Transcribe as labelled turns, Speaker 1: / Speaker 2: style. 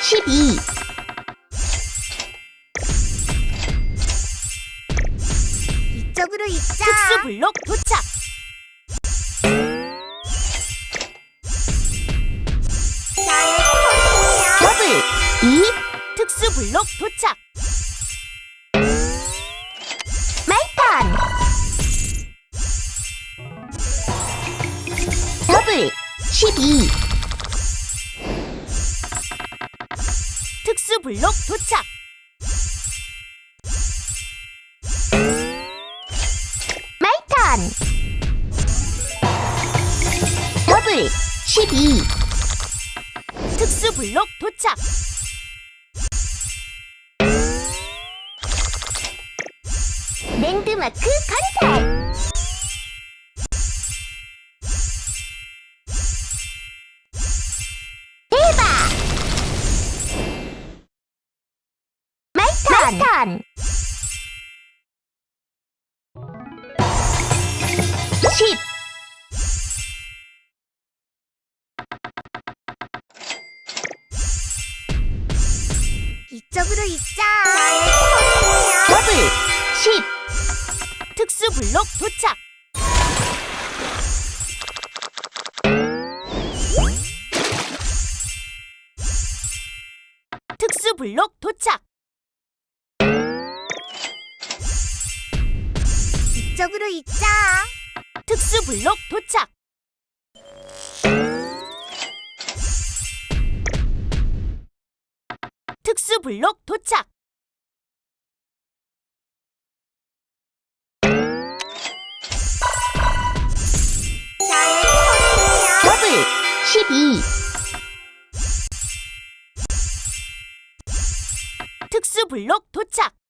Speaker 1: 12
Speaker 2: 이쪽으로 있자.
Speaker 3: 특수 블록 도착.
Speaker 2: 나의 폰이야.
Speaker 1: 더블 2
Speaker 3: 특수 블록 도착.
Speaker 1: 마이턴 더블 12
Speaker 3: 특수 블록 도착.
Speaker 1: 마이턴 더블 12
Speaker 3: 특수 블록 도착.
Speaker 1: 랜드마크 건설 대박 마이턴 10
Speaker 2: 이쪽으로 있자. 나의 폰이야.
Speaker 1: 더블 10
Speaker 3: 특수 블록 도착. 특수 블록 도착.
Speaker 2: 이쪽으로 있자.
Speaker 3: 특수 블록 도착. 특수 블록 도착.
Speaker 2: 나의 폰이야.
Speaker 1: 더블 12
Speaker 3: 특수 블록 도착.